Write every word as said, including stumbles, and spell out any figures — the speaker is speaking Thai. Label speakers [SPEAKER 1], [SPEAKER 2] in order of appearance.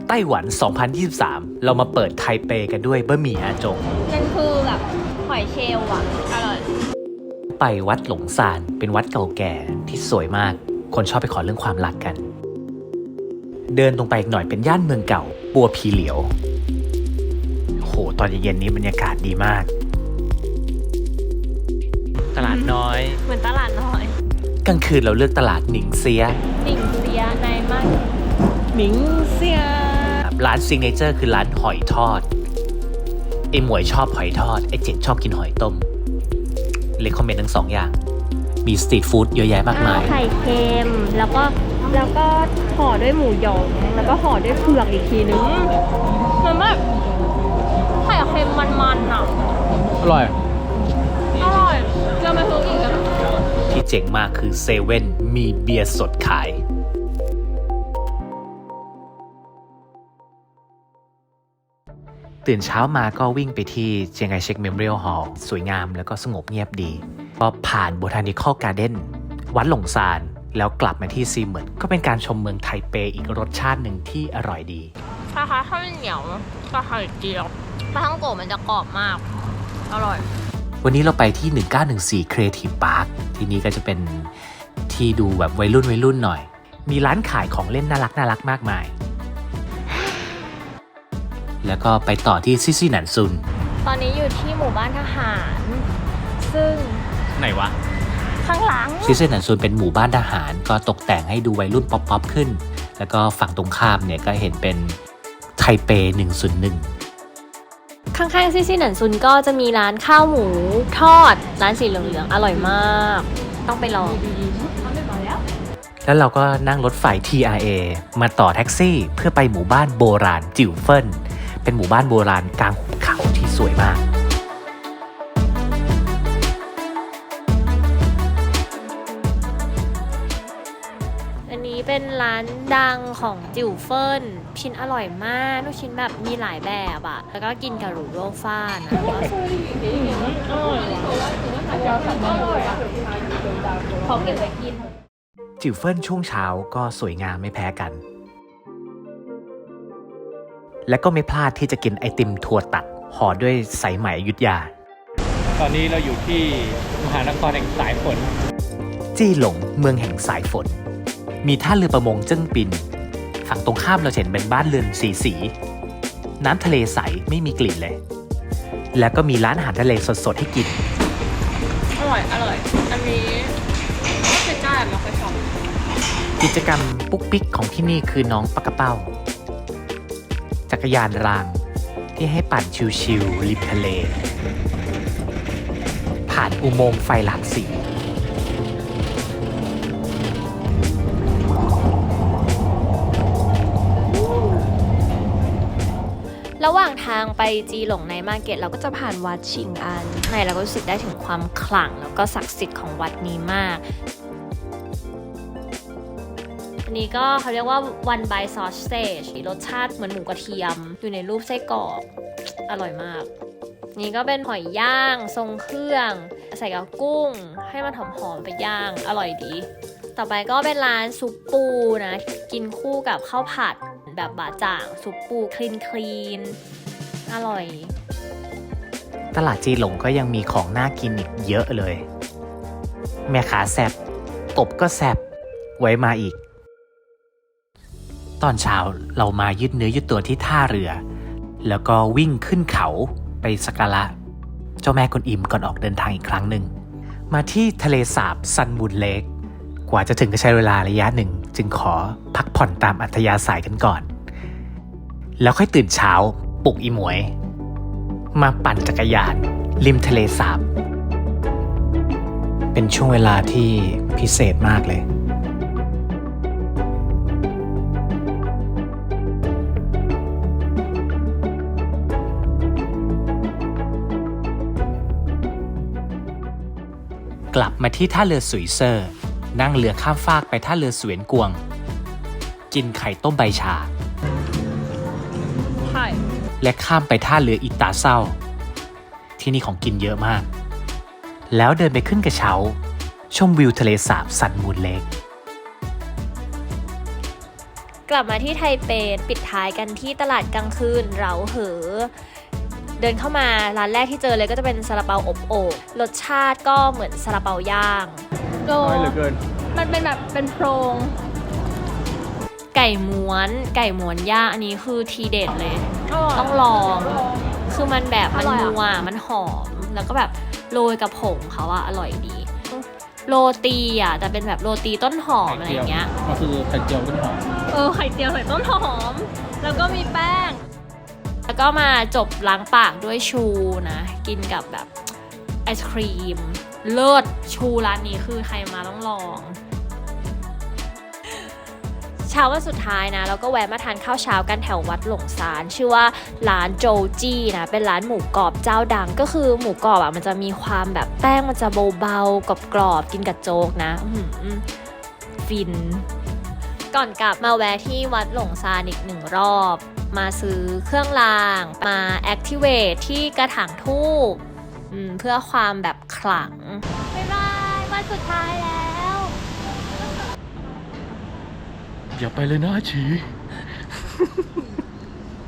[SPEAKER 1] ไต้หวัน สองพันยี่สิบสาม เรามาเปิดไทเปกันด้วยบะหมี่อาจง
[SPEAKER 2] มันคือแบบหอยเชลล์อ่ะอร่อย
[SPEAKER 1] ไปวัดหลงซานเป็นวัดเก่าแก่ที่สวยมากคนชอบไปขอเรื่องความรักกันเดินตรงไปอีกหน่อยเป็นย่านเมืองเก่าปัวพีเหลียวโหตอนเย็นๆนี้บรรยากาศดีมากตลาดน้อย
[SPEAKER 2] เหมือนตลาดน้อย
[SPEAKER 1] กลางคืนเราเลือกตลาดหนิงเซีย
[SPEAKER 2] หนิงเซียในมากหนิงเซีย
[SPEAKER 1] ร้านซิงเนเจอร์คือร้านหอยทอดไอหมวยชอบหอยทอดไอเจ็ดชอบกินหอยต้มเลยคอมเมนต์ทั้งสองอย่างมีสตรีทฟู้ดเยอะแยะมากมาย
[SPEAKER 2] ไข่เค็มแล้วก็แล้วก็ห่อด้วยหมูหยองแล้วก็ห่อด้วยเผือกอีกทีนึงมันแบบไข่เค็มมันๆอ่ะ
[SPEAKER 1] อร่อย
[SPEAKER 2] อร่อยเราไปซื้ออีกอ่ะ
[SPEAKER 1] ที่เจ๋งมากคือเซเว่นมีเบียร์สดขายตื่นเช้ามาก็วิ่งไปที่เจียงไคเชกเมมโมเรียลฮอลล์สวยงามแล้วก็สงบเงียบดีพอผ่านโบทานิคอลการ์เด้นวัดหลงซานแล้วกลับมาที่ซีเหมินก็เป็นการชมเมืองไทเปอีกรสชาติหนึ่งที่อร่อยดี
[SPEAKER 2] คล้ายๆข้าวเหนียวกับไข่เจียวปลาท่องโกะมันจะกรอบมากอร่อย
[SPEAKER 1] วันนี้เราไปที่หนึ่งเก้าหนึ่งสี่ Creative Park ที่นี่ก็จะเป็นที่ดูแบบวัยรุ่นวัยรุ่นหน่อยมีร้านขายของเล่นน่ารักน่ารักมากมายแล้วก็ไปต่อที่ซิซี่หนันซุน
[SPEAKER 2] ตอนนี้อยู่ที่หมู่บ้านทหารซึ่ง
[SPEAKER 1] ไหนวะ
[SPEAKER 2] ข้างหลัง
[SPEAKER 1] ซิซี่หนันซุนเป็นหมู่บ้านทหารก็ตกแต่งให้ดูวัยรุ่นป๊อปๆขึ้นแล้วก็ฝั่งตรงข้ามเนี่ยก็เห็นเป็นไทเปหนึ่งศูนย์หนึ่ง
[SPEAKER 2] ข้างๆซิซี่หนันซุนก็จะมีร้านข้าวหมูทอดร้านสีเหลืองๆอร่อยมากต้องไปลอง
[SPEAKER 1] แล้วเราก็นั่งรถไฟ ที อาร์ เอ มาต่อแท็กซี่เพื่อไปหมู่บ้านโบราณจิ๋วเฟินเป็นหมู่บ้านโบราณกลางหุบเขาที่สวยมาก
[SPEAKER 2] อันนี้เป็นร้านดังของจิ๋วเฟินชิ้นอร่อยมากลูกชิ้นแบบมีหลายแบบอะแล้วก็กินกับหรูโรฟ้านะขอเก็บไว้กิน
[SPEAKER 1] จิ๋วเฟินช่วงเช้าก็สวยงามไม่แพ้กันและก็ไม่พลาดที่จะกินไอติมถั่วตัดห่อด้วยสายไหมอยุธยาตอนนี้เราอยู่ที่มหานครแห่งสายฝนจี้หลงเมืองแห่งสายฝนมีท่าเรือประมงเจิ้งปินฝั่งตรงข้ามเราเห็นเป็นบ้านเรือนสีสีน้ำทะเลใสไม่มีกลิ่นเลยแล้วก็มีร้านอาหารทะเลสดๆให้กิน
[SPEAKER 2] อร่อยอร่อยอันนี้ไม่เคยได้ไม่เคยชอบ
[SPEAKER 1] กิจกรรมปุ๊กปิ๊กของที่นี่คือน้องปักกระเป้าจักรยานรางที่ให้ปั่นชิวๆริมทะเลผ่านอุโมงค์ไฟหลากสี
[SPEAKER 2] ระหว่างทางไปจีหลงในมาร์เก็ตเราก็จะผ่านวัดชิงอันในเราก็รู้สึกได้ถึงความขลังแล้วก็ศักดิ์สิทธิ์ของวัดนี้มากอันนี้ก็เขาเรียกว่า one by sausage รสชาติเหมือนหมูกระเทียมอยู่ในรูปไส้กรอกอร่อยมากนี่ก็เป็นหอยย่างทรงเครื่องใส่กับกุ้งให้มันหอมๆไปย่างอร่อยดีต่อไปก็เป็นร้านซุปปูนะกินคู่กับข้าวผัดแบบบะจ่างซุปปูคลีนคลีนอร่อย
[SPEAKER 1] ตลาดจีหลงก็ยังมีของน่ากินอีกเยอะเลยแม่ค้าแซ่บกบก็แซ่บไว้มาอีกตอนเช้าเรามายืดเนื้อยืดตัวที่ท่าเรือแล้วก็วิ่งขึ้นเขาไปสักการะเจ้าแม่กวนอิมก่อนออกเดินทางอีกครั้งหนึ่งมาที่ทะเลสาบซันมูนเลคกว่าจะถึงก็ใช้เวลาระยะหนึ่งจึงขอพักผ่อนตามอัธยาศัยกันก่อนแล้วค่อยตื่นเช้าปลุกอีหมวยมาปั่นจักรยานริมทะเลสาบเป็นช่วงเวลาที่พิเศษมากเลยกลับมาที่ท่าเรือสุยเซอร์นั่งเรือข้ามฟากไปท่าเรือสเวียนกวงกินไข่ต้มใบชา
[SPEAKER 2] ใช่
[SPEAKER 1] และข้ามไปท่าเรืออิตาเซาที่นี่ของกินเยอะมากแล้วเดินไปขึ้นกระเช้าชมวิวทะเลสาบซันมูนเลค
[SPEAKER 2] กลับมาที่ไทเปปิดท้ายกันที่ตลาดกลางคืนเหราเหอ เดินเข้ามาร้านแรกที่เจอเลยก็จะเป็นซาลาเปาอบโอ่งรสชาติก็เหมือนซาลาเปาย่าง
[SPEAKER 3] น้อยเหลือเกิน
[SPEAKER 4] มันเป็นแบบเป็นโพรง
[SPEAKER 2] ไก่ม้วนไก่ม้วนย่างอันนี้คือทีเด็ดเลย ต้องลอง คือมันแบบมันนัวมันหอม แล้วก็แบบโรยกับผงเขาอะอร่อยดี โรตีอะแต่เป็นแบบโรตีต้นหอมอะไรอย่างเงี้ย
[SPEAKER 3] ก็คือไข่เจียวต้นหอม
[SPEAKER 4] เออไข่เจียวใส่ต้นหอม แล้วก็มีแป้ง
[SPEAKER 2] แล้วก็มาจบล้างปากด้วยชูนะ กินกับแบบไอศครีม เลิศชูร้านนี้คือใครมาต้องลอง เช้าวันสุดท้ายนะแล้วก็แวะมาทานข้าวเช้ากันแถววัดหลงซานชื่อว่าร้านโจจี้นะเป็นร้านหมูกรอบเจ้าดังก็คือหมูกรอบอ่ะมันจะมีความแบบแป้งมันจะเบาๆกรอบๆกินกับโจ๊กนะอื้อหือฟิน ก่อนกลับมาแวะที่วัดหลงซานอีกหนึ่งรอบ มาซื้อเครื่องรางมา activate ที่กระถางทูบอืมเพื่อความแบบขลัง
[SPEAKER 4] บ๊ายบายวันสุดท้ายแล้ว
[SPEAKER 3] อย่าไปเลยนะอาชี